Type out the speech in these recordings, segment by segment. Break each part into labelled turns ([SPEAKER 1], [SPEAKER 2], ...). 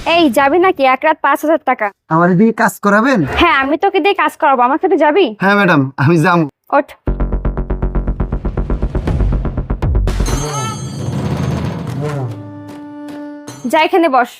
[SPEAKER 1] এই যাবি নাকি? এক রাত 5,000 টাকা।
[SPEAKER 2] আমার দিয়ে কাজ করাবেন?
[SPEAKER 1] হ্যাঁ, আমি তোকে দিয়ে কাজ করাবো। আমার সাথে যাবি?
[SPEAKER 2] হ্যাঁ ম্যাডাম, আমি যাবো।
[SPEAKER 1] ওঠ। যা, এখানে বস।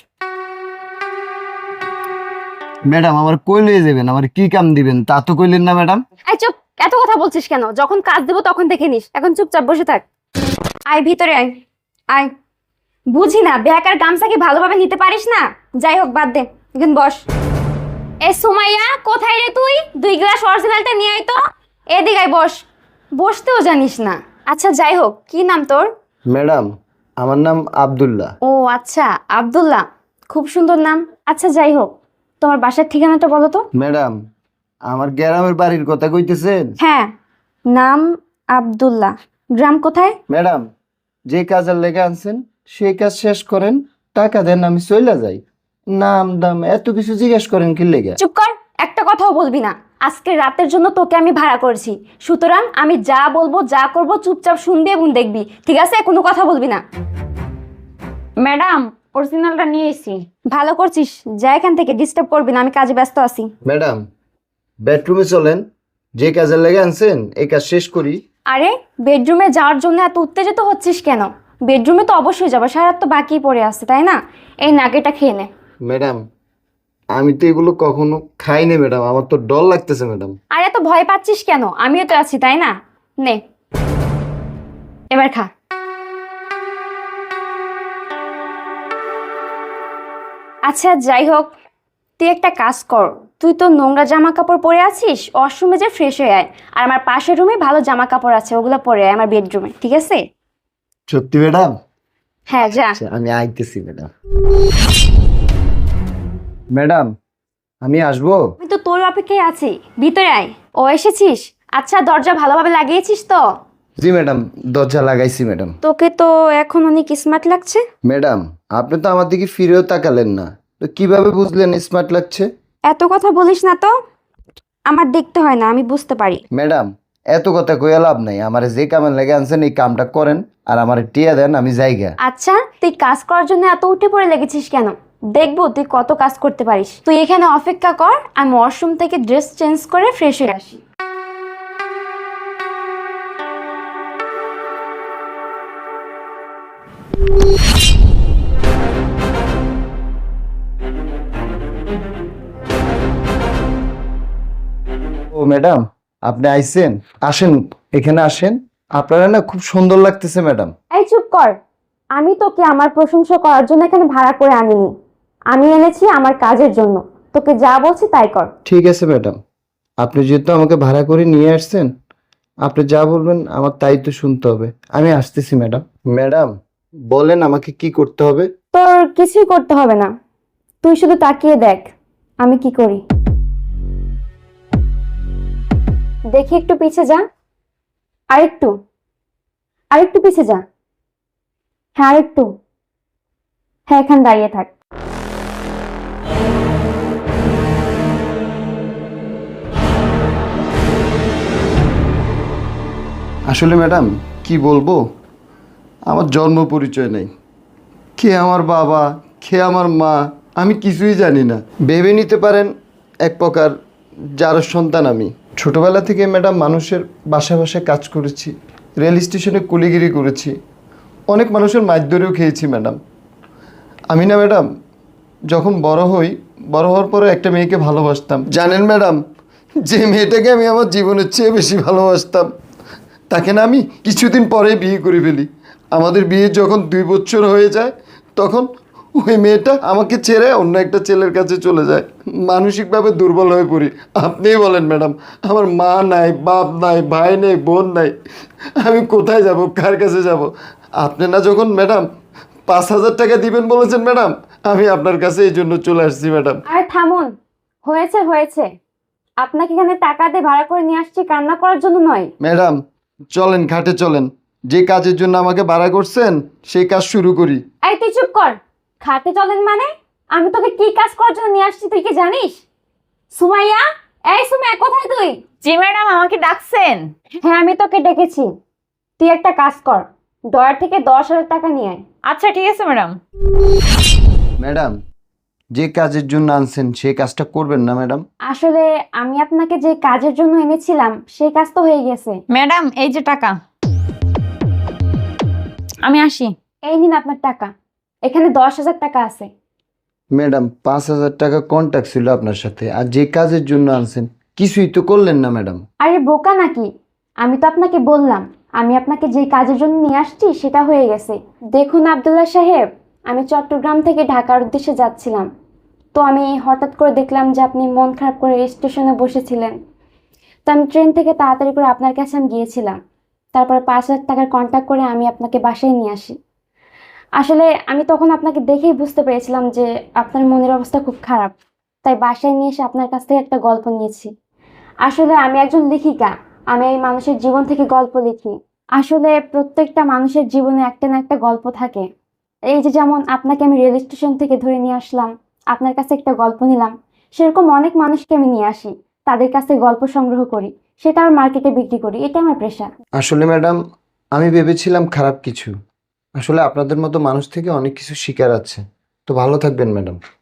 [SPEAKER 2] ম্যাডাম আমার কই লয়ে যাবেন? আমার কি কাম দিবেন তা তো কইলেন না ম্যাডাম।
[SPEAKER 1] এই চুপ, এত কথা বলছিস কেন? যখন কাজ দেবো তখন দেখে নিস, এখন চুপচাপ বসে থাক। আয় ভিতরে আয়। আয়। বুঝি না, ব্যাগ আর গামছা কি ভালোভাবে নিতে পারিস না? যাই হোক, বাদ দে, এখন বস। এ সুমাইয়া, কোথায় রে তুই? 2 গ্লাস অরিজিনালটা নিয়ে আয় তো। এদিকে আয়, বস। বসতেও জানিস না। আচ্ছা যাই হোক, কি নাম তোর?
[SPEAKER 2] ম্যাডাম আমার নাম আব্দুল্লাহ।
[SPEAKER 1] ও আচ্ছা, আব্দুল্লাহ, খুব সুন্দর নাম। আচ্ছা যাই হোক, তোমার বাসার ঠিকানাটা বলো তো।
[SPEAKER 2] ম্যাডাম আমার গ্রামের বাড়ির কথা কইতেছেন?
[SPEAKER 1] হ্যাঁ, নাম আব্দুল্লাহ, গ্রাম কোথায়?
[SPEAKER 2] ম্যাডাম যে কাজের লেগে আনছেন সেই কাজ শেষ করেন, টাকা দেন, আমি চইলা যাই। নাম দাম এত কিছু জিজ্ঞেস করেন কি লেগে?
[SPEAKER 1] চুপ কর, একটা কথাও বলবি না। আজকে রাতের জন্য তোকে আমি ভাড়া করেছি, সুতরাং আমি যা বলবো যা করব চুপচাপ শুনবি এবং দেখবি, ঠিক আছে? কোনো কথা বলবি না।
[SPEAKER 3] ম্যাডাম, অরিজিনালটা নিয়ে এসেছি।
[SPEAKER 1] ভালো করছিস, যা এখান থেকে, ডিস্টার্ব করবি না, আমি কাজে ব্যস্ত আছি।
[SPEAKER 2] ম্যাডাম বেডরুমে চলেন, যে কাজের লেগে আনছেন এই কাজ শেষ করি।
[SPEAKER 1] আরে, বেডরুমে যাওয়ার জন্য এত উত্তেজিত হচ্ছিস কেন? বেডরুমে তো অবশ্যই যাবো, সারা রাত তো বাকি পড়ে আছে, তাই না? এই নাগেটা খেয়ে নে।
[SPEAKER 2] ম্যাডাম আমি তো এগুলো কখনো খাইনি ম্যাডাম, আমার তো ডর লাগতেছে ম্যাডাম।
[SPEAKER 1] আর এত ভয় পাচ্ছিস কেন? আমিও তো আছি, তাই না? নে, এবার খা। আচ্ছা যাই হোক, তুই একটা কাজ কর, তুই তো নোংরা জামা কাপড় পরে আছিস, ওয়াশরুমে যে ফ্রেশ হয়ে আয়। আর আমার পাশের রুমে ভালো জামা কাপড় আছে, ওগুলো পরে আয় আমার বেডরুমে, ঠিক আছে?
[SPEAKER 2] সত্যি ম্যাডাম?
[SPEAKER 1] হ্যাঁ যা।
[SPEAKER 2] আচ্ছা, আমি আইতেছি ম্যাডাম। ম্যাডাম আমি আসবো?
[SPEAKER 1] আমি তো তোর অপেক্ষায় আছি, ভিতরে আয়। ও এসেছিস? আচ্ছা, দরজা ভালোভাবে লাগিয়েছিস তো?
[SPEAKER 2] জি ম্যাডাম, দরজা লাগাইছি ম্যাডাম।
[SPEAKER 1] তোকে তো এখন অনেক স্মার্ট লাগছে।
[SPEAKER 2] ম্যাডাম আপনি তো আমার দিকে ফিরেও তাকালেন না, তো কিভাবে বুঝলেন স্মার্ট লাগছে?
[SPEAKER 1] এত কথা বলিস না তো, আমার দেখতে হয় না, আমি বুঝতে পারি।
[SPEAKER 2] ম্যাডাম এত কথা কইয়া লাভ নাই, আমার যে কামের লেগে আনছেন এই কামটা করেন আর আমার টিয়া দেন, আমি জায়গা।
[SPEAKER 1] আচ্ছা, তুই কাজ করার জন্য এত উঠে পড়ে লেগেছিস কেন? দেখবো তুই কত কাজ করতে পারিস। তুই এখানে অপেক্ষা কর, আমি ওয়াশরুম থেকে ড্রেস চেঞ্জ করে ফ্রেশ হয়ে আসি।
[SPEAKER 2] ও ম্যাডাম আপনি আইছেন, আসেন এখানে আসেন, আপনারা না খুব সুন্দর লাগতেছে ম্যাডাম।
[SPEAKER 1] এই চুপ কর, আমি তোকে আমার প্রশংসা করার জন্য এখানে ভাড়া করে আনিনি, আমি এনেছি আমার কাজের জন্য। তোকে যা বলছি তাই কর।
[SPEAKER 2] ঠিক আছে ম্যাডাম, আপনি যেহেতু আমাকে ভাড়া করে নিয়ে আসছেন, আপনি যা বলবেন আমার তাই তো শুনতে হবে। আমি আসতেছি ম্যাডাম। ম্যাডাম বলেন আমাকে কি করতে হবে?
[SPEAKER 1] তোর কিছুই করতে হবে না, তুই শুধু তাকিয়ে দেখ আমি কি করি। দেখি, একটু পিছে যা, আরেকটু, আরেকটু পিছে যা, হ্যাঁ আরেকটু, হ্যাঁ এখানে দাঁড়িয়ে থাক।
[SPEAKER 2] আসলে ম্যাডাম কি বলবো, আমার জন্ম পরিচয় নেই, কে আমার বাবা কে আমার মা আমি কিছুই জানি না। ভেবে নিতে পারেন এক প্রকার যার সন্তান আমি। ছোটবেলা থেকে ম্যাডাম মানুষের বাসায় বাসায় কাজ করেছি, রেল স্টেশনে কুলিগিরি করেছি, অনেক মানুষের মাছ ধরেও খেয়েছি ম্যাডাম। আমি না ম্যাডাম যখন বড় হওয়ার পরে একটা মেয়েকে ভালোবাসতাম। জানেন ম্যাডাম, যে মেয়েটাকে আমি আমার জীবনের চেয়ে বেশি ভালোবাসতাম তাকে না আমি কিছুদিন পরেই বিয়ে করে ফেলি। আমাদের বিয়ে যখন 2 বছর হয়ে যায় তখন ওই মেয়েটা আমাকে ছেড়ে অন্য একটা ছেলের কাছে চলে যায়। মানসিকভাবে দুর্বল হয়ে পড়ি। আপনিই বলেন ম্যাডাম, আমার মা নাই, বাপ নাই, ভাই নেই, বোন নাই, আমি কোথায় যাব, কার কাছে যাব? আপনি না যখন ম্যাডাম 5,000 টাকা দিবেন বলেছেন ম্যাডাম, আমি আপনার কাছে এই জন্য চলে আসছি ম্যাডাম।
[SPEAKER 1] আর থামুন, হয়েছে হয়েছে, আপনাকে এখানে টাকা দিয়ে ভাড়া করে নিয়ে আসছি কান্না করার জন্য নয়।
[SPEAKER 2] ম্যাডাম চলেন খাটে চলেন, যে কাজের জন্য আমাকে ভাড়া করছেন সেই কাজ শুরু করি।
[SPEAKER 1] এই তুই চুপ কর, খাতে চলেন মানে? আমি তোকে কি কাজ করার জন্য নিয়ে আসছি তুই কি জানিস? সুমাইয়া, এই সুমাইয়া, কোথায় তুই?
[SPEAKER 3] জি ম্যাডাম, আমাকে ডাকছেন?
[SPEAKER 1] হ্যাঁ আমি তোকে ডেকেছি, তুই একটা কাজ কর, ডয়ার থেকে 10,000 টাকা নিয়ে আয়।
[SPEAKER 3] আচ্ছা ঠিক আছে ম্যাডাম।
[SPEAKER 2] ম্যাডাম যে কাজের জন্য আনছেন সেই কাজটা করবেন না ম্যাডাম?
[SPEAKER 1] আসলে আমি আপনাকে যে কাজের জন্য এনেছিলাম সেই কাজ তো হয়ে গেছে।
[SPEAKER 3] ম্যাডাম এই যে টাকা, আমি আসি।
[SPEAKER 1] এই নিন আপনার টাকা, এখানে 10,000 টাকা আছে।
[SPEAKER 2] ম্যাডাম 5,000 টাকা কন্ট্যাক্ট ছিল আপনার সাথে, আর যে কাজের জন্য আনছেন কিছুই তো করলেন না ম্যাডাম।
[SPEAKER 1] আরে বোকা নাকি, আমি তো আপনাকে বললাম আমি আপনাকে যে কাজের জন্য নিয়ে আসছি সেটা হয়ে গেছে। দেখুন আব্দুল্লাহ সাহেব, আমি চট্টগ্রাম থেকে ঢাকার উদ্দেশ্যে যাচ্ছিলাম, তো আমি হঠাৎ করে দেখলাম যে আপনি মন খারাপ করে স্টেশনে বসেছিলেন। তো আমি ট্রেন থেকে তাড়াতাড়ি করে আপনার কাছে আমি গিয়েছিলাম, তারপরে 5,000 টাকার কন্ট্যাক্ট করে আমি আপনাকে বাসায় নিয়ে আসি। আসলে আমি তখন আপনাকে দেখেই বুঝতে পেরেছিলাম যে আপনার মনের অবস্থা খুব খারাপ, তাই বাসায় নিয়ে এসে আপনার কাছ থেকে একটা গল্প নিয়েছি। আসলে আমি একজন লেখিকা, আমি এই মানুষের জীবন থেকে গল্প লিখি। আসলে প্রত্যেকটা মানুষের জীবনে একটা না একটা গল্প থাকে। এই যে যেমন আপনাকে আমি রেল স্টেশন থেকে ধরে নিয়ে আসলাম, আপনার কাছে একটা গল্প নিলাম, সেরকম অনেক মানুষকে আমি নিয়ে আসি, তাদের কাছে গল্প সংগ্রহ করি, সেটা আমার মার্কেটে বিক্রি করি, এটা আমার পেশা।
[SPEAKER 2] আসলে ম্যাডাম আমি ভেবেছিলাম খারাপ কিছু, আসলে আপনাদের মতো মানুষ থেকে অনেক কিছু শিকার আছে। তো ভালো থাকবেন ম্যাডাম।